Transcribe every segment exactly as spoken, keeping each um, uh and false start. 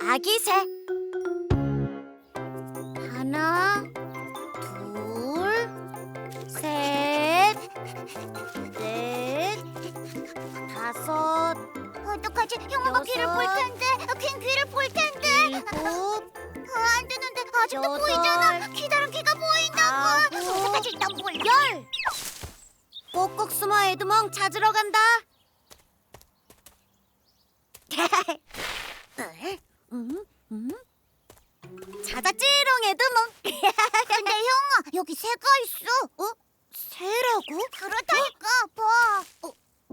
아기 새. 하나, 둘, 셋, 넷, 다섯, 어떡하지? 형아가 귀를 볼 여섯, 텐데. 걘 귀를 볼 텐데. 일곱, 아, 안 되는데. 아직도 여덟, 보이잖아. 기다란 귀가 보인다고. 아홉, 어떡하지? 난 몰라. 열. 꼭꼭 숨어 에드몽 찾으러 간다. 음, 음. 찾았지롱 에드몽. 근데 형아, 여기 새가 있어. 어? 새라고? 그렇다니까. 봐. 어?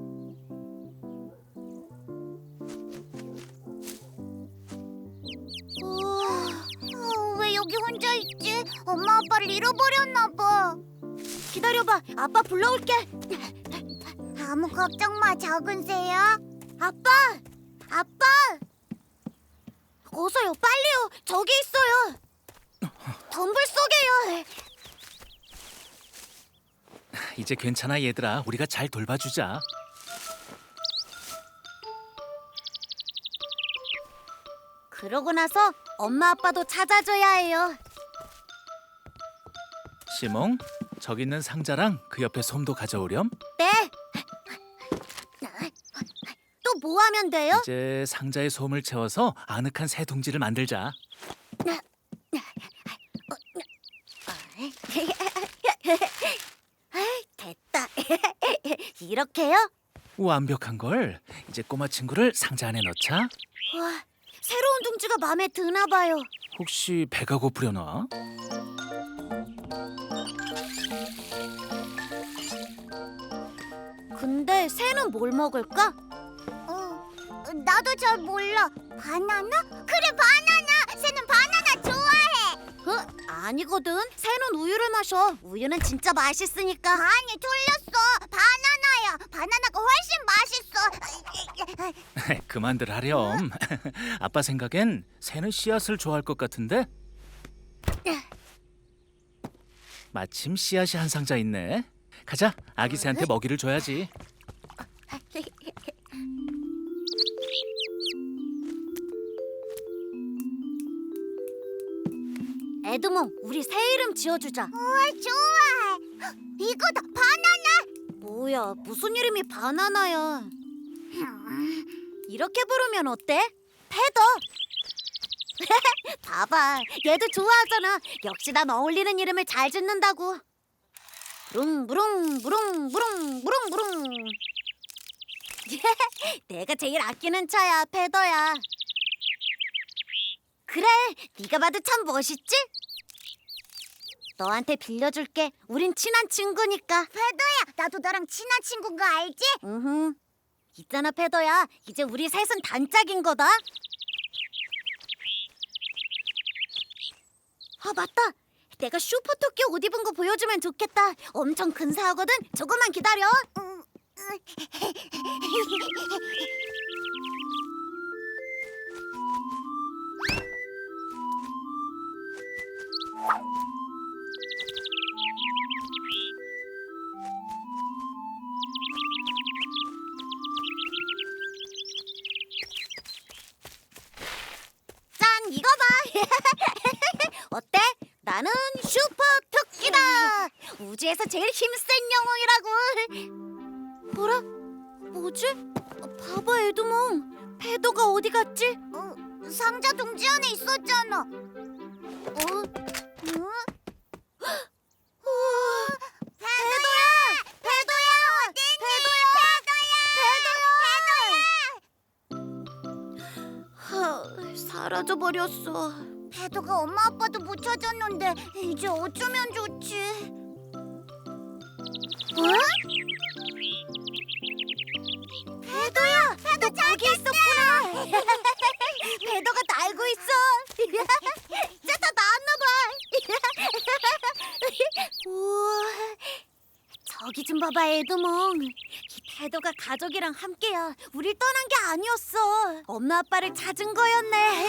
어, 왜 여기 혼자 있지? 엄마 아빠를 잃어버렸나 봐. 기다려봐, 아빠 불러올게. 아무 걱정 마, 작은 새야. 아빠, 아빠, 어서요, 빨리요. 저기 있어요. 덤불 속에요. 이제 괜찮아 얘들아. 우리가 잘 돌봐주자. 그러고 나서 엄마 아빠도 찾아줘야 해요. 시몽, 저기 있는 상자랑 그 옆에 솜도 가져오렴. 네. 또 뭐 하면 돼요? 이제 상자에 솜을 채워서 아늑한 새 둥지를 만들자. 됐다. 이렇게요? 완벽한 걸. 이제 꼬마 친구를 상자 안에 넣자. 와, 새로운 둥지가 마음에 드나 봐요. 혹시 배가 고프려나? 근데 새는 뭘 먹을까? 어, 나도 잘 몰라. 바나나? 그래, 바나나. 새는 바나나 좋아해. 어? 아니거든. 새는 우유를 마셔. 우유는 진짜 맛있으니까. 아니, 틀렸어. 바나나야. 바나나가 훨씬 맛있어. 그만들 하렴. 아빠 생각엔 새는 씨앗을 좋아할 것 같은데? 마침 씨앗이 한 상자 있네. 가자, 아기 새한테 먹이를 줘야지. 에드몽, 우리 새 이름 지어주자. 우와, 좋아. 이거다, 바나나. 뭐야, 무슨 이름이 바나나야. 이렇게 부르면 어때? 패더. 봐봐, 얘도 좋아하잖아. 역시 난 어울리는 이름을 잘 짓는다고. 무릉무릉 무릉 무릉 무릉 무릉. 내가 제일 아끼는 차야, 패더야. 그래, 네가 봐도 참 멋있지? 너한테 빌려줄게. 우린 친한 친구니까. 페더야, 나도 너랑 친한 친구인 거 알지? 응. 있잖아, 패더야. 이제 우리 셋은 단짝인 거다. 아, 맞다. 내가 슈퍼 토끼 옷 입은 거 보여주면 좋겠다. 엄청 근사하거든. 조금만 기다려. 음, 짠, 이거 봐. 어때? 나는 슈퍼 토끼다. 우주에서 제일 힘센 영웅이라고. 뭐라? 뭐지? 봐봐, 에드몽. 패더가 어디 갔지? 어, 상자 둥지 안에 있었잖아. 어? 응? 우와, 페더야! 페더야! 어딨니? 페더야! 하, 사라져버렸어. 페더가 엄마 아빠도 못 찾았는데 이제 어쩌면 좋지? 어? 페더야! 페더 거기 있었구나. 배도가 날고 있어. 이제 다 나왔나 봐. 우와, 저기 좀 봐봐, 에드몽. 이 배도가 가족이랑 함께야. 우릴 떠난 게 아니었어. 엄마 아빠를 찾은 거였네.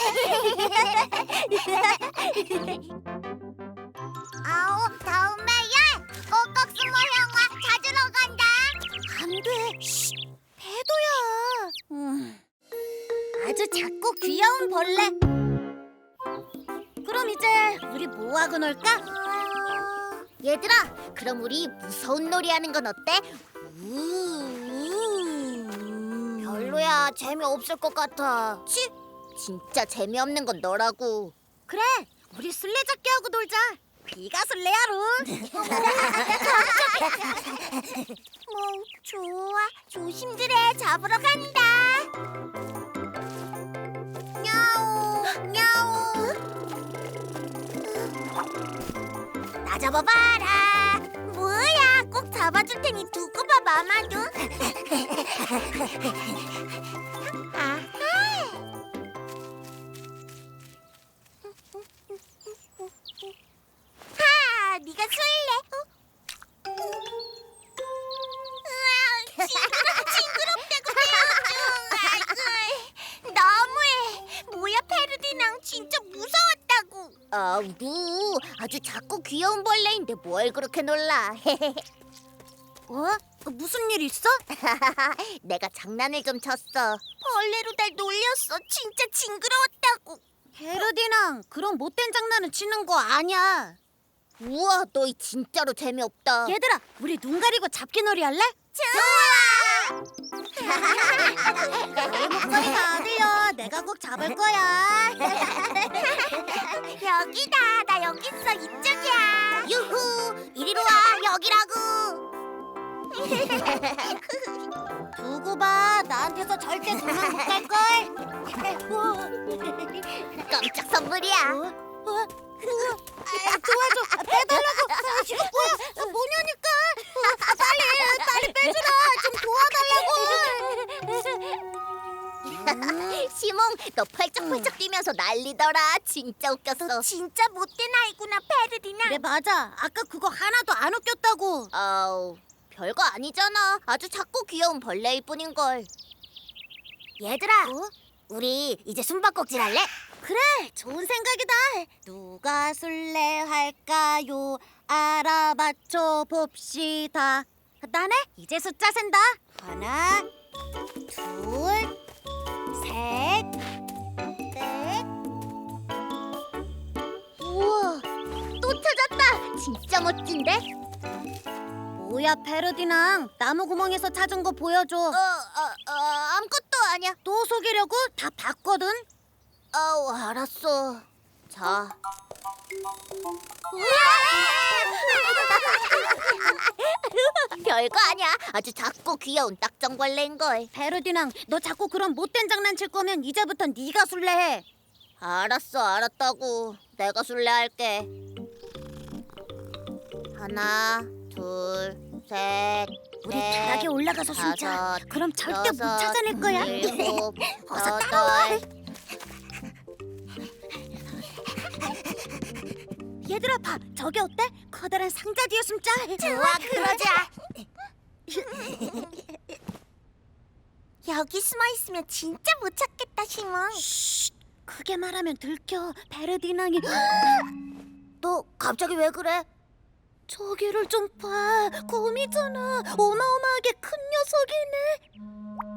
아오, 다음에야 꼭꼭 숨어 형아 찾으러 간다. 안 돼. 쉿, 배도야. 음. 아주 아주 작고 귀여운 벌레. 그럼 이제 우리 뭐 하고 놀까? 얘들아, 그럼 우리 무서운 놀이 하는 건 어때? 별로야, 재미없을 것 같아. 치, 진짜 재미없는 건 너라고. 그래, 우리 술래잡기 하고 놀자. 네가 술래야, 룬. 뭐 좋아, 조심들해. 잡으러 간다. 냐옹, 냐옹. 나 잡아봐라. 뭐야, 꼭 잡아줄 테니 두고 봐, 마마도. 아하. 하, 네가 술래. 어? 으아, 징그럽다고 징그럽다고. 너무해. 뭐야, 페르디낭, 진짜 무서웠다고. 아, 루, 아주 작고 귀여운 벌레인데 뭘 그렇게 놀라. 어? 무슨 일 있어? 내가 장난을 좀 쳤어. 벌레로 날 놀렸어. 진짜 징그러웠다고. 페르디낭, 그런 못된 장난은 치는 거 아니야. 우와, 너희 진짜로 재미없다. 얘들아, 우리 눈 가리고 잡기놀이 할래? 좋아. 내 목소리 다 들려. 내가 꼭 잡을 거야. 여기다. 나 여기 있어. 이쪽이야. 유후. 이리로 와. 여기라고. 두고 봐. 나한테서 절대 도망 못 갈걸. 깜짝 선물이야. 어? 어? 아, 도와줘. 아, 빼달라고. 아, 이거 뭐야? 아, 뭐냐니까. 아, 빨리, 빨리 빼주라. 좀 도와달라고. 시몽, 너 펄쩍펄쩍 뛰면서 난리더라. 진짜 웃겼어. 너 진짜 못된 아이구나, 페르디나. 그래, 맞아. 아까 그거 하나도 안 웃겼다고. 아우, 별거 아니잖아. 아주 작고 귀여운 벌레일 뿐인걸. 얘들아, 어? 우리 이제 숨바꼭질 할래? 그래, 좋은 생각이다. 누가 술래할까요? 알아맞혀 봅시다. 나네? 이제 숫자 센다. 하나, 둘, 셋, 넷. 우와, 또 찾았다. 진짜 멋진데? 뭐야, 페르디낭. 나무 구멍에서 찾은 거 보여줘. 어, 어, 어, 아무것도 아니야. 또 속이려고? 다 봤거든. 아우, 알았어. 자. 별거 아니야. 아주 작고 귀여운 딱정벌레인걸. 페르디낭, 너 자꾸 그런 못된 장난 칠 거면 이제부터 네가 술래해. 알았어, 알았다고. 내가 술래할게. 하나, 둘, 셋, 우리 넷, 다락에 올라가서 숨자. 다섯, 그럼 절대 못 여섯, 찾아낼 거야. 일곱, 어서 따라와. 여덟. 얘들아, 봐. 저기 어때? 커다란 상자 뒤에 숨자. 좋아, 그러자. 여기 숨어 있으면 진짜 못 찾겠다, 시몽. 쉿, 크게 말하면 들켜. 페르디낭이. 너 갑자기 왜 그래? 저기를 좀 봐. 곰이잖아. 어마어마하게 큰 녀석이네.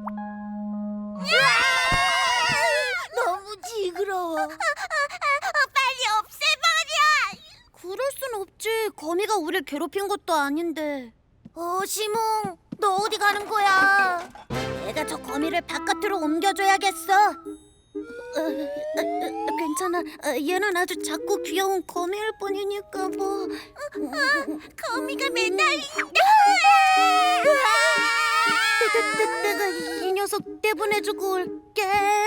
너무 징그러워. 빨리 없애버려. 그럴 순 없지. 거미가 우릴 괴롭힌 것도 아닌데. 어, 시몽, 너 어디 가는 거야? 내가 저 거미를 바깥으로 옮겨줘야겠어. 어, 어, 어, 괜찮아. 어, 얘는 아주 작고 귀여운 거미일 뿐이니까 뭐. 거미가 매달린다. 내, 내, 내가 이 녀석 내보내주고 올게.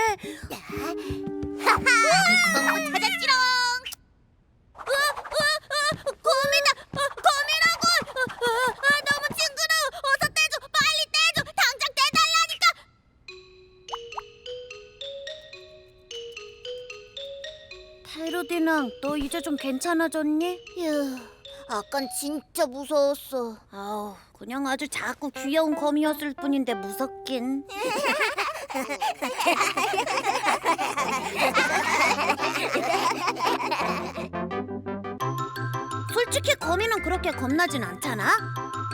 너무 찾았지롱. 어, 어, 어, 거미다. 어, 거미라고. 어, 어, 어, 너무 징그러워. 어서 떼줘. 빨리 떼줘. 당장 떼달라니까. 페르디낭, 너 이제 좀 괜찮아졌니? 휴, 아깐 진짜 무서웠어. 아우, 그냥 아주 작고 귀여운 거미였을 뿐인데 무섭긴. 솔직히 거미는 그렇게 겁나진 않잖아.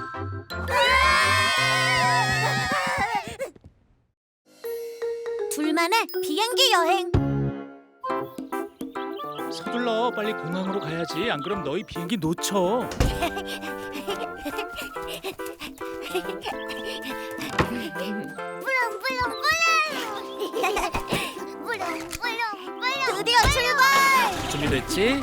둘만 우리만의 비행기 여행. 서둘러, 빨리 공항으로 가야지. 안 그럼 너희 비행기 놓쳐. 드디어 출발! 준비됐지?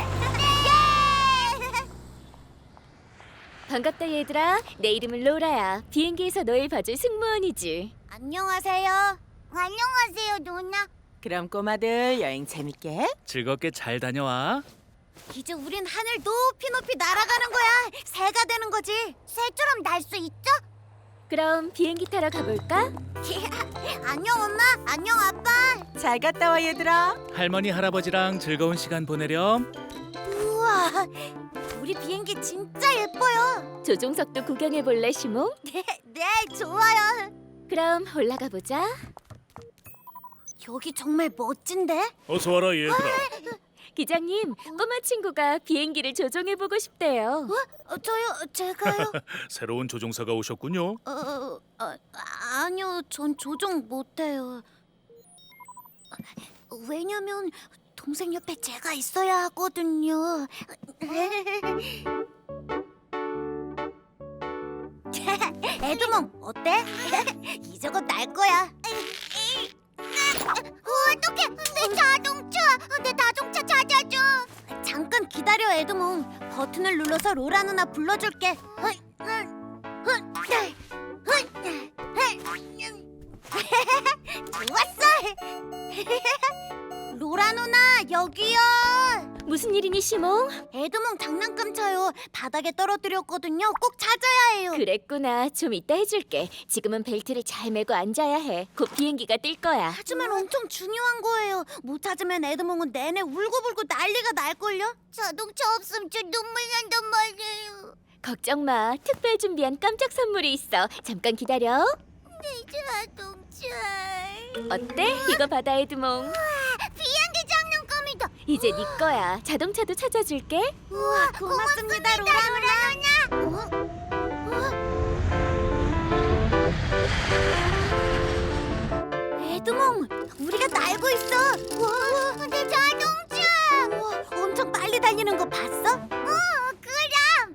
반갑다 얘들아. 내 이름은 로라야. 비행기에서 너희 봐줄 승무원이지. 안녕하세요. 안녕하세요 누나. 그럼 꼬마들 여행 재밌게. 즐겁게 잘 다녀와. 이제 우린 하늘 높이 높이 날아가는 거야. 새가 되는 거지. 새처럼 날 수 있죠? 그럼 비행기 타러 가볼까? 안녕 엄마, 안녕 아빠. 잘 갔다 와 얘들아. 할머니, 할아버지랑 즐거운 시간 보내렴. 우와, 우리 비행기 진짜 예뻐요. 조종석도 구경해 볼래 시몽? 네, 네, 좋아요. 그럼 올라가 보자. 여기 정말 멋진데? 어서 와라 얘들아. 기장님, 꼬마 친구가 비행기를 조종해 보고 싶대요. 어, 저요, 제가요? 새로운 조종사가 오셨군요. 어, 어, 아니요, 전 조종 못해요. 왜냐면 동생 옆에 제가 있어야 하거든요. 에드몽, 어때? 이제 곧 날 거야. 어떡해, 내 자동차, 내 자동차 찾아줘. 잠깐 기다려, 에드몽. 버튼을 눌러서 로라 누나 불러줄게. 좋았어. 로라 누나, 여기요. 무슨 일이니 시몽? 에드몽 장난감 차요. 바닥에 떨어뜨렸거든요. 꼭 찾아야 해요. 그랬구나. 좀 이따 해줄게. 지금은 벨트를 잘 매고 앉아야 해. 곧 비행기가 뜰 거야. 하지만 엄청 중요한 거예요. 못 찾으면 에드몽은 내내 울고불고 난리가 날걸요. 자동차 없으면 저 눈물 난단 말이에요. 걱정 마. 특별 준비한 깜짝 선물이 있어. 잠깐 기다려. 내 자동차. 어때? 이거 받아 에드몽. 비행기 장난감이다. 이제 네 거야. 자동차도 찾아줄게. 우와, 고맙습니다, 로라 누나. 어? 에드몽, 우리가 날고 있어. 우와, 내 자동차. 우와, 엄청 빨리 달리는 거 봤어? 어, 그럼.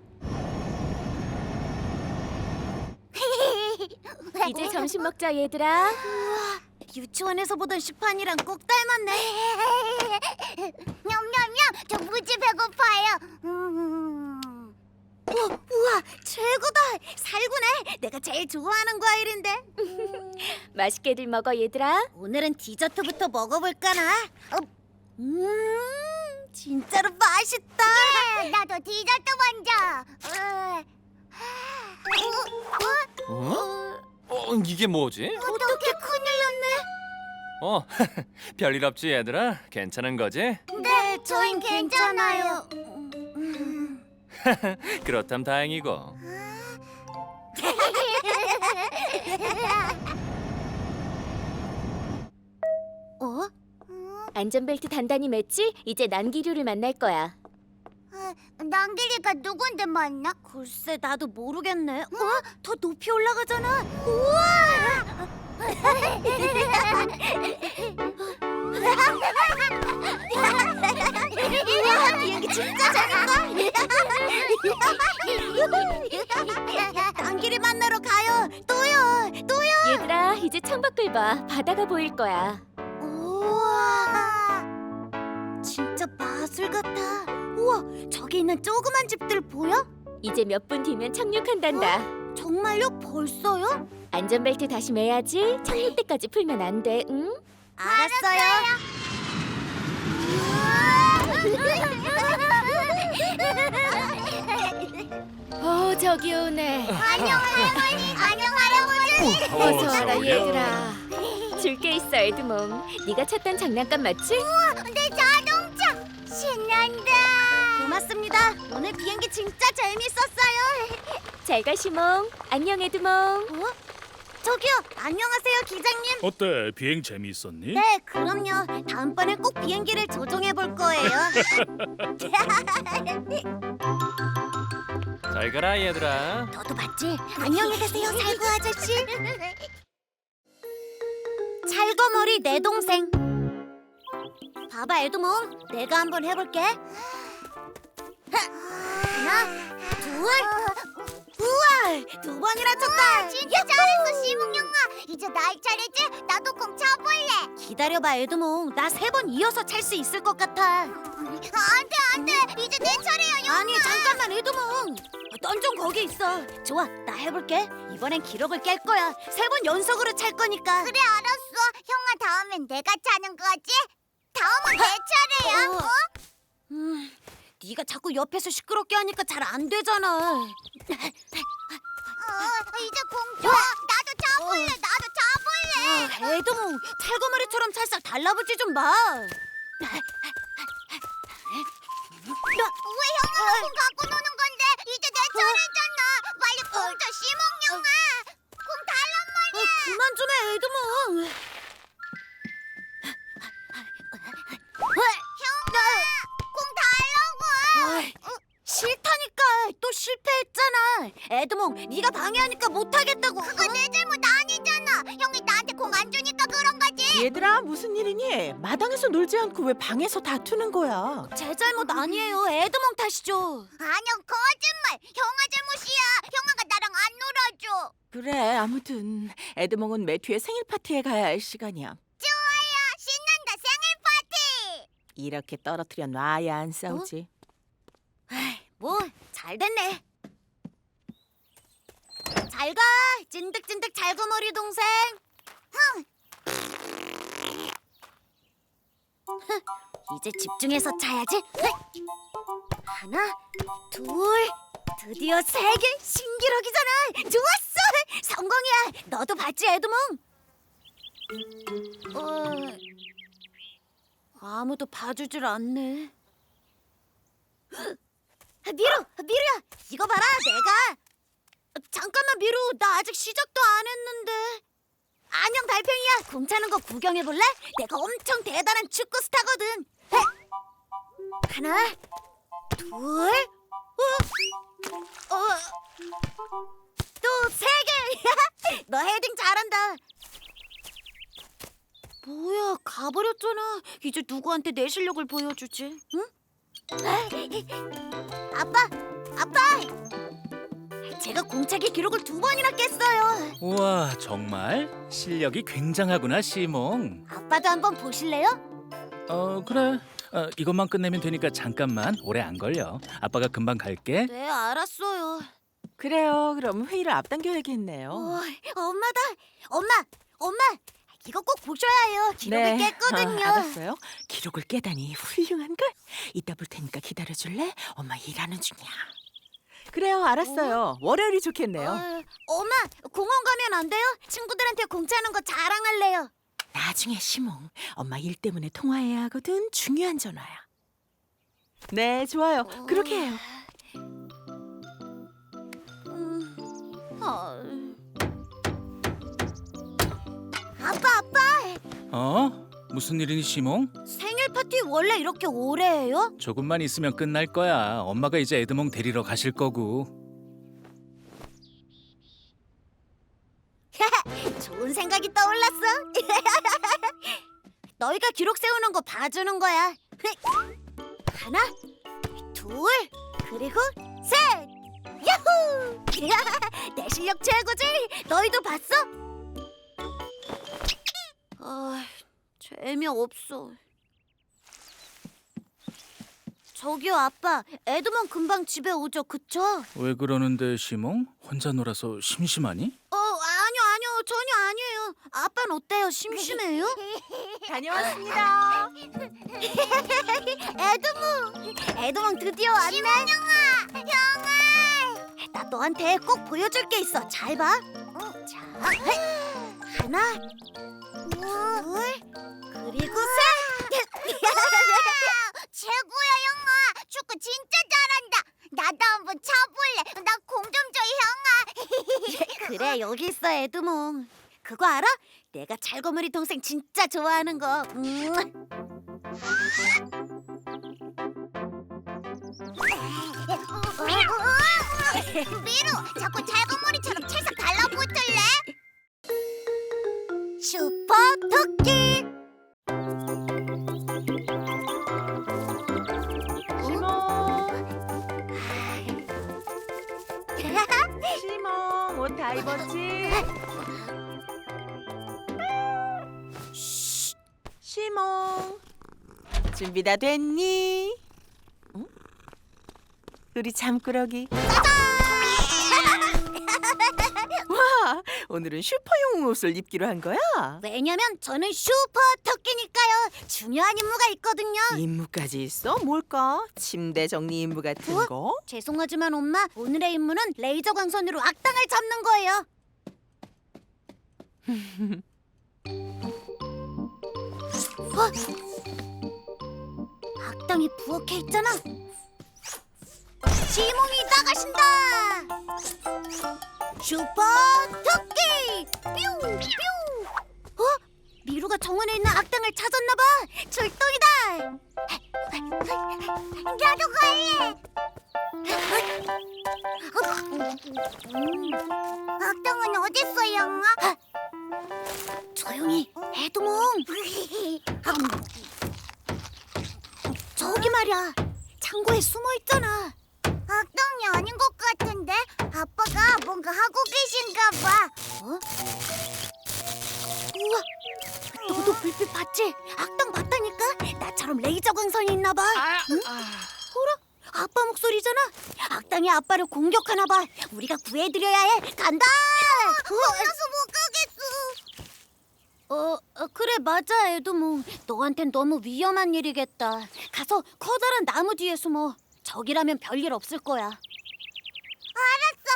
이제 점심 먹자 얘들아. 우와, 유치원에서 보던 시판이랑 꼭 닮았네. 냠냠냠, 저 무지 배고파요. 음. 우와, 우와, 최고다. 살구네. 내가 제일 좋아하는 과일인데. 맛있게들 먹어 얘들아. 오늘은 디저트부터 먹어볼까나. 어, 음, 진짜로 맛있다. 나도 디저트 먼저. 어, 어, 어? 어, 이게 뭐지? 어떻게 큰일 났네. 어, 별일 없지 얘들아? 괜찮은 거지? 네, 저흰 괜찮아요. 음. 그렇담 다행이고. 어? 안전벨트 단단히 맸지? 이제 난기류를 만날 거야. 난길이가 누군데 만나? 글쎄, 나도 모르겠네. 어? 더 높이 올라가잖아. 우와! 우와, 비행기 진짜 재밌다. 난길이 만나러 가요. 또요, 또요. 얘들아 이제 창밖을 봐. 바다가 보일 거야. 우와, 진짜 마술 같아. 우와, 저기 있는 조그만 집들 보여? 이제 몇 분 뒤면 착륙한단다. 정말요? 벌써요? 안전벨트 다시 매야지. 착륙 때까지 풀면 안 돼. 응? 알았어요. 어 저기 오네. 안녕 할머니. 안녕 할아버지. 어서 와라 저기요. 얘들아. 줄 게 있어 에드몽. 네가 찾던 장난감 맞지? 내 자동차 신난다. 고맙습니다. 오늘 비행기 진짜 재밌었어요. 잘 가 시몽. 안녕 에드몽. 어? 저기요. 안녕하세요, 기장님. 어때? 비행 재미있었니? 네, 그럼요. 다음번엔 꼭 비행기를 조종해 볼 거예요. 잘 가라 얘들아. 너도 봤지? 안녕히 계세요, 살구 아저씨. 잘 가, 찰거머리 내 동생. 봐봐 에드몽, 내가 한번 해볼게. 하나, 둘. 우와, 두 번이나 쳤다. 진짜 잘했어, 시몽 형아. 이제 나의 차례지? 나도 공 차볼래. 기다려봐 에드몽, 나 세 번 이어서 찰 수 있을 것 같아. 안돼 안돼, 이제 내 차례야 형아. 아니 잠깐만 에드몽, 넌 좀 거기 있어. 좋아, 나 해볼게. 이번엔 기록을 깰 거야. 세 번 연속으로 찰 거니까. 그래 알았어. 형아 다음엔 내가 차는 거지? 다음은 내 차례야. 어. 어? 음, 네가 자꾸 옆에서 시끄럽게 하니까 잘 안 되잖아. 어, 이제 공 줘. 나도 차볼래. 나도 차볼래. 아, 에드몽, 찰거머리처럼 살짝 달라붙지 좀 마. 왜 형아가 공 갖고 노는 건데? 이제 내 차례잖아. 빨리 공 줘, 시몽 형아. 공 달란 어, 말이야. 그만 좀 해, 에드몽. 형아, 공 달라고. 어이, 싫다니까. 또 실패했잖아. 에드몽, 네가 방해하니까 못하겠다고. 그거 내 잘못 아니잖아. 형이 나한테 공 안 주니까 그런 거지. 얘들아, 무슨 일이니? 마당에서 놀지 않고 왜 방에서 다투는 거야? 제 잘못 아니에요. 에드몽 탓이죠. 아니야, 거짓말. 형아 잘못이야. 형아가 나랑 안 놀아줘. 그래, 아무튼 에드몽은 매튜의 생일 파티에 가야 할 시간이야. 좋아요. 신난다, 생일 파티. 이렇게 떨어뜨려 놔야 안 싸우지. 뭐, 잘 됐네. 잘 가, 찐득찐득 잘거머리 동생. 이제 집중해서 차야지. 하나, 둘, 드디어 세 개. 신기록이잖아. 좋았어, 성공이야. 너도 봤지, 에드몽? 어, 아무도 봐주질 않네. 미루, 미루야, 이거 봐라, 내가. 잠깐만, 미루, 나 아직 시작도 안 했는데. 안녕, 달팽이야. 공 차는 거 구경해 볼래? 내가 엄청 대단한 축구 스타거든. 헤. 하나, 둘, 어, 어, 또 세 개. 너 헤딩 잘한다. 뭐야, 가버렸잖아. 이제 누구한테 내 실력을 보여주지? 응? 아빠, 아빠. 제가 공차기 기록을 두 번이나 깼어요. 우와, 정말 실력이 굉장하구나, 시몽. 아빠도 한번 보실래요? 어, 그래. 어, 이것만 끝내면 되니까 잠깐만. 오래 안 걸려. 아빠가 금방 갈게. 네, 알았어요. 그래요, 그럼 회의를 앞당겨야겠네요. 어, 엄마다. 엄마, 엄마. 이거 꼭 보셔야 해요. 기록을 깼거든요. 아, 알았어요. 기록을 깨다니 훌륭한걸. 이따 볼 테니까 기다려줄래? 엄마 일하는 중이야. 그래요, 알았어요. 월요일이 좋겠네요. 어, 엄마, 공원 가면 안 돼요? 친구들한테 공차는 거 자랑할래요. 나중에 시몽, 엄마 일 때문에 통화해야 하거든. 중요한 전화야. 네, 좋아요. 그렇게 해요. 음, 어. 아빠, 아빠. 어? 무슨 일이니, 시몽? 생일 파티 원래 이렇게 오래 해요? 조금만 있으면 끝날 거야. 엄마가 이제 에드몽 데리러 가실 거고. 좋은 생각이 떠올랐어. 너희가 기록 세우는 거 봐주는 거야. 하나, 둘, 그리고 셋. 야호! 내 실력 최고지? 너희도 봤어? 아, 재미없어. 저기요, 아빠. 에드몽 금방 집에 오죠, 그쵸? 왜 그러는데, 시몽? 혼자 놀아서 심심하니? 어, 아니요, 아니요. 전혀 아니에요. 아빠는 어때요? 심심해요? 다녀왔습니다. 에드몽! 에드몽 드디어 왔네. 형아, 형아. 나 너한테 꼭 보여줄 게 있어. 잘 봐. 자, 헤. 하나, 둘, 그리고 셋. 최고야 형아. 축구 진짜 잘한다. 나도 한번 차볼래. 나 공 좀 줘 형아. 그래, 여기 있어, 에드몽. 그거 알아? 내가 찰거머리 동생 진짜 좋아하는 거. 음. 미루, 자꾸 잘건머리처럼 찰싹 달라붙을래? 슈퍼 토끼. 다이버지. 시몽, 준비 다 됐니? 응? 우리 잠꾸러기. 와, 오늘은 슈퍼용 옷을 입기로 한 거야? 왜냐면 저는 슈퍼 토끼니까요. 중요한 임무가 있거든요. 임무까지 있어? 뭘까? 침대 정리 임무 같은 어? 거? 죄송하지만 엄마, 오늘의 임무는 레이저 광선으로 악당을 잡는 거예요. 어? 악당이 부엌에 있잖아. 지몽이 나가신다. 슈퍼 토끼 뿅 뿅. 어? 미루가 정원에 있는 악당을 찾았나 봐. 출동이다. 나도 갈래. 악당은 어딨어, 영아? 조용히, 에드몽. 저기 말이야, 창고에 숨어 있잖아. 악당이 아닌 것 같은데? 아빠가 뭔가 하고 계신가 봐. 어? 우와, 너도 불빛 봤지? 악당 봤다니까? 나처럼 레이저 광선이 있나 봐. 응? 어라? 아빠 목소리잖아. 악당이 아빠를 공격하나 봐. 우리가 구해드려야 해. 간다. 겁나서 못 가겠어. 어, 어, 그래 맞아 에드몽. 너한텐 너무 위험한 일이겠다. 가서 커다란 나무 뒤에 숨어. 저기라면 별일 없을 거야. 알았어.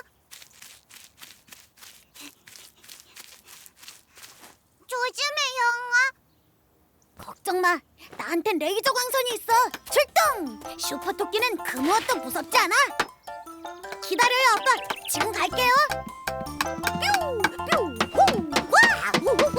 조심해 영아. 걱정 마. 나한텐 레이저 광선이 있어. 출동! 슈퍼 토끼는 그 무엇도 무섭지 않아. 기다려요 아빠. 지금 갈게요. 뿅! 뿅! 호! 와! 우, 우, 우.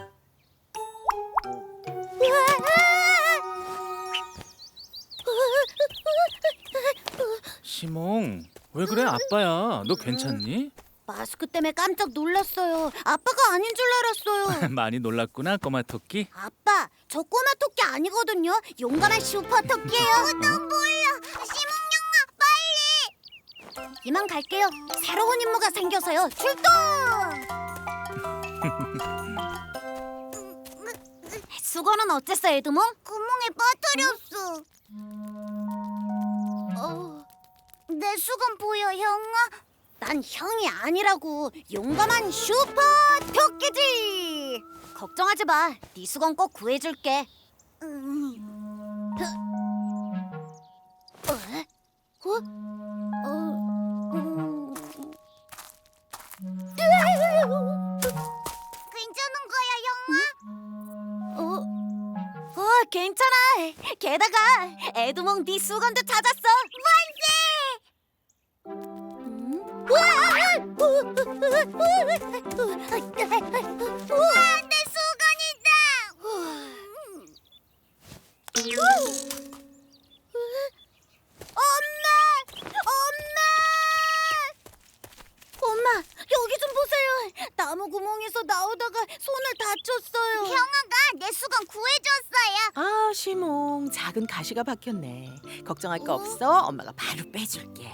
시몽, 왜 그래? 아빠야. 너 괜찮니? 마스크 때문에 깜짝 놀랐어요. 아빠가 아닌 줄 알았어요. 많이 놀랐구나, 꼬마 토끼. 아빠, 저 꼬마 토끼 아니거든요. 용감한 슈퍼 토끼예요. 난 몰라. 시몽영아, 빨리. 이만 갈게요. 새로운 임무가 생겨서요. 출동! 수건은 어땠어, 에드몽? 구멍에 빠뜨렸어. 어, 내 수건 보여, 형아? 난 형이 아니라고. 용감한 슈퍼 토끼지. 걱정하지 마. 네 수건 꼭 구해줄게. 음. 어? 어? 어? 음. 괜찮은 거야, 형아? 어? 어, 괜찮아. 게다가 에드몽 네 수건도 찾았어. 만세! 우와! 우와, 내 수건이다! 엄마! 엄마! 엄마, 여기 좀 보세요. 나무 구멍에서 나오다가 손을 다쳤어요. 형아가 내 수건 구해줬어요. 아, 시몽, 작은 가시가 박혔네. 걱정할 거 없어. 엄마가 바로 빼줄게.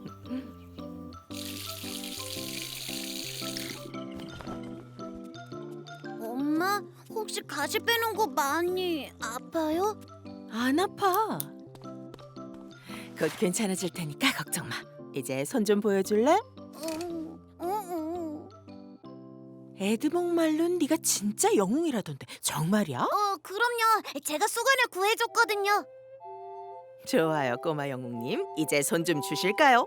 엄마, 혹시 가시 빼는 거 많이 아파요? 안 아파. 곧 괜찮아질 테니까 걱정 마. 이제 손 좀 보여줄래? 어, 어, 어. 에드몽 말론 네가 진짜 영웅이라던데 정말이야? 어, 그럼요. 제가 수건을 구해줬거든요. 좋아요, 꼬마 영웅님. 이제 손 좀 주실까요?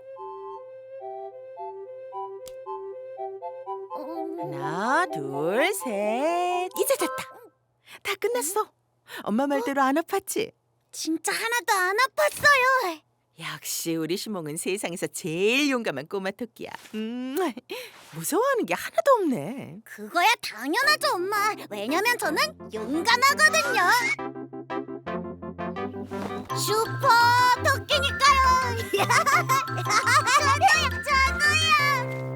어, 하나, 둘, 셋. 이제 됐다. 다 끝났어. 엄마 말대로 안 아팠지? 진짜 하나도 안 아팠어요. 역시 우리 시몽은 세상에서 제일 용감한 꼬마 토끼야. 음, 무서워하는 게 하나도 없네. 그거야 당연하죠, 엄마. 왜냐면 저는 용감하거든요. 슈퍼 토끼니까요. 저도요, 저도요.